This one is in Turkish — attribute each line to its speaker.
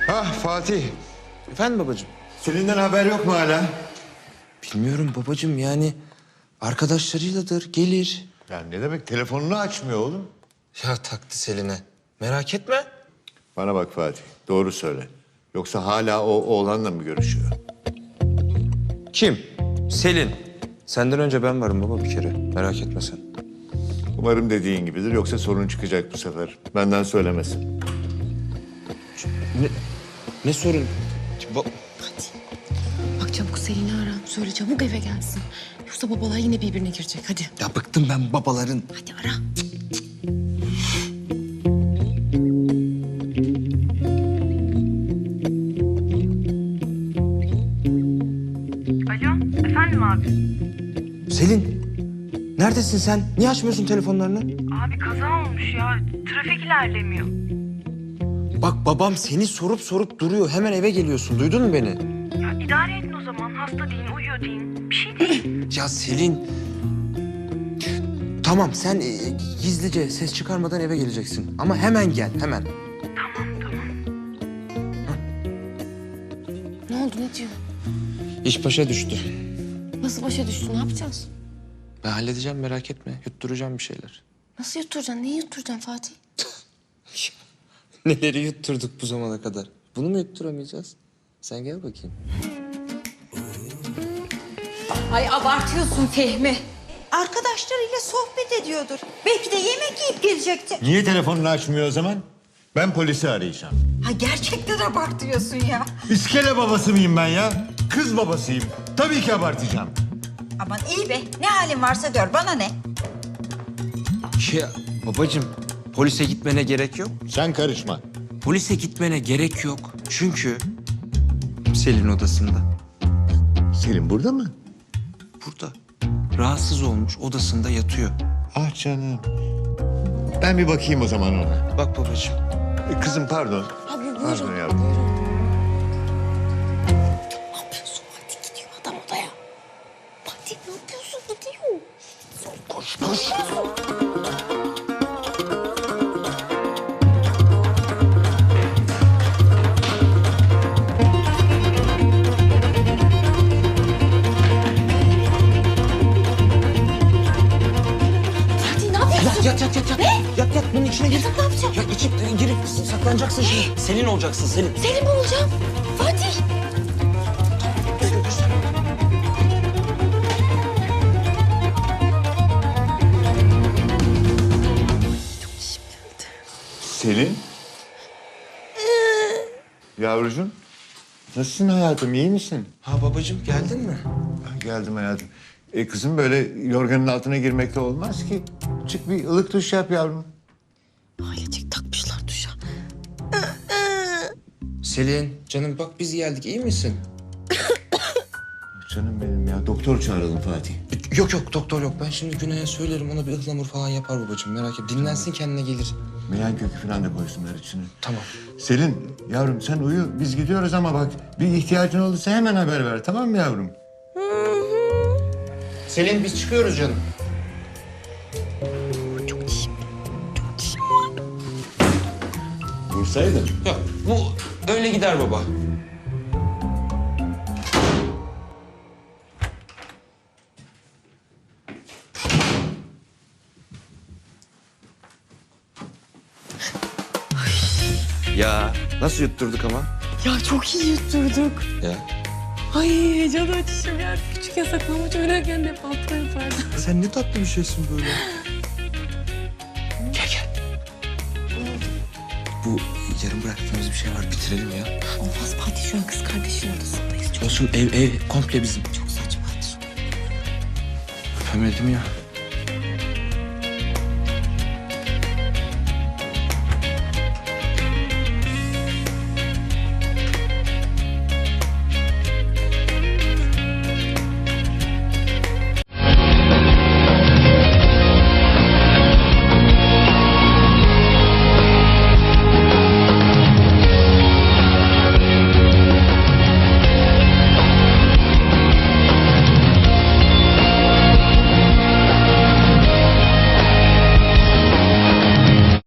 Speaker 1: Ah Fatih,
Speaker 2: Efendim babacığım?
Speaker 1: Selin'den haber yok mu hala?
Speaker 2: Bilmiyorum babacığım, yani arkadaşlarıyladır, gelir.
Speaker 1: Ya ne demek telefonunu açmıyor oğlum?
Speaker 2: Ya taktı Selin'e. Merak etme.
Speaker 1: Bana bak Fatih, doğru söyle. Yoksa hala o oğlanla mı görüşüyor?
Speaker 2: Kim? Selin. Senden önce ben varım baba bir kere. Merak etme sen.
Speaker 1: Umarım dediğin gibidir, yoksa sorun çıkacak bu sefer. Benden söylemesin.
Speaker 2: Ne sorun?
Speaker 3: Bak çabuk Selin'i ara. Söyle çabuk eve gelsin. Yoksa babalar yine birbirine girecek. Hadi.
Speaker 2: Ya bıktım ben babaların.
Speaker 3: Hadi ara.
Speaker 4: Alo, efendim abi?
Speaker 2: Selin, neredesin sen? Niye açmıyorsun telefonlarını?
Speaker 4: Abi kaza olmuş ya. Trafik ilerlemiyor.
Speaker 2: Bak babam seni sorup duruyor. Hemen eve geliyorsun. Duydun mu beni?
Speaker 4: Ya idare edin o zaman. Hasta deyin, uyuyor deyin. Bir şey değil.
Speaker 2: Ya Selin. Tamam sen gizlice ses çıkarmadan eve geleceksin. Ama hemen gel hemen.
Speaker 4: Tamam.
Speaker 3: Ne oldu ne diyor?
Speaker 2: İş başa düştü.
Speaker 3: Nasıl başa düştü ne yapacağız?
Speaker 2: Ben halledeceğim merak etme. Yutturacağım bir şeyler.
Speaker 3: Nasıl yutturacaksın? Neyi yutturacaksın Fatih?
Speaker 2: Neleri yutturduk bu zamana kadar? Bunu mu yutturamayacağız? Sen gel bakayım.
Speaker 5: Ay abartıyorsun Fehmi. Arkadaşlarıyla sohbet ediyordur. Belki de yemek yiyip gelecekti.
Speaker 1: Niye telefonunu açmıyor o zaman? Ben polisi arayacağım.
Speaker 5: Ha gerçekten abartıyorsun ya.
Speaker 1: İskele babası mıyım ben ya? Kız babasıyım. Tabii ki abartacağım.
Speaker 5: Aman iyi be. Ne halin varsa gör. Bana ne?
Speaker 2: Ya babacığım polise gitmene gerek yok.
Speaker 1: Sen karışma.
Speaker 2: Polise gitmene gerek yok. Çünkü Selin odasında.
Speaker 1: Selin burada mı?
Speaker 2: Burada. Rahatsız olmuş odasında yatıyor.
Speaker 1: Ah canım. Ben bir bakayım o zaman ona.
Speaker 2: Bak babacığım.
Speaker 1: Kızım pardon.
Speaker 3: Abi buyurun.
Speaker 1: Pardon yavrum.
Speaker 3: Ne yapıyorsun Fatih? Gidiyor adam odaya. Fatih ne yapıyorsun? Gidiyor.
Speaker 2: Koş koş.
Speaker 3: Fatih ne yapıyorsun?
Speaker 2: Yat. Ne? Yat bunun içine gir.
Speaker 3: Yatak ne yapacağım?
Speaker 2: Ya içip girip saklanacaksın şimdi. Selin olacaksın Selin.
Speaker 3: Selim mi olacağım? Fatih.
Speaker 1: Selin? Yavrucuğum. Nasılsın hayatım, iyi misin?
Speaker 2: Ha babacığım geldin mi?
Speaker 1: Ah, geldim hayatım. Kızım böyle yorganın altına girmekte olmaz ki. Çık bir ılık duş yap yavrum.
Speaker 3: Ailecek takmışlar duşa.
Speaker 2: Selin canım bak biz geldik iyi misin?
Speaker 1: Canım benim ya. Doktor çağıralım Fatih.
Speaker 2: Yok doktor yok. Ben şimdi Güney'e söylerim ona bir ıhlamur falan yapar babacığım merak etme. Dinlensin kendine gelir.
Speaker 1: Meyan kökü falan da koysunlar içine.
Speaker 2: Tamam.
Speaker 1: Selin yavrum sen uyu. Biz gidiyoruz ama bak bir ihtiyacın olursa hemen haber ver, tamam mı yavrum?
Speaker 2: Selin biz çıkıyoruz canım.
Speaker 1: Vursaydın.
Speaker 2: Yok bu öyle gider baba. Ya nasıl yutturduk ama?
Speaker 3: Ya çok iyi yutturduk.
Speaker 2: Ya
Speaker 3: Ay heyecan açışım ya. Küçük yasaklamaç oynarken de hep altıma yapardım.
Speaker 2: sen ne tatlı bir şeysin böyle. Gel. Bu yarım bıraktığımız bir şey var bitirelim ya.
Speaker 3: Olmaz Fatih şu an kız kardeşin odasındayız. Çok,
Speaker 2: Olsun ev komple bizim.
Speaker 3: çok saçma.
Speaker 2: Öpemedim ya.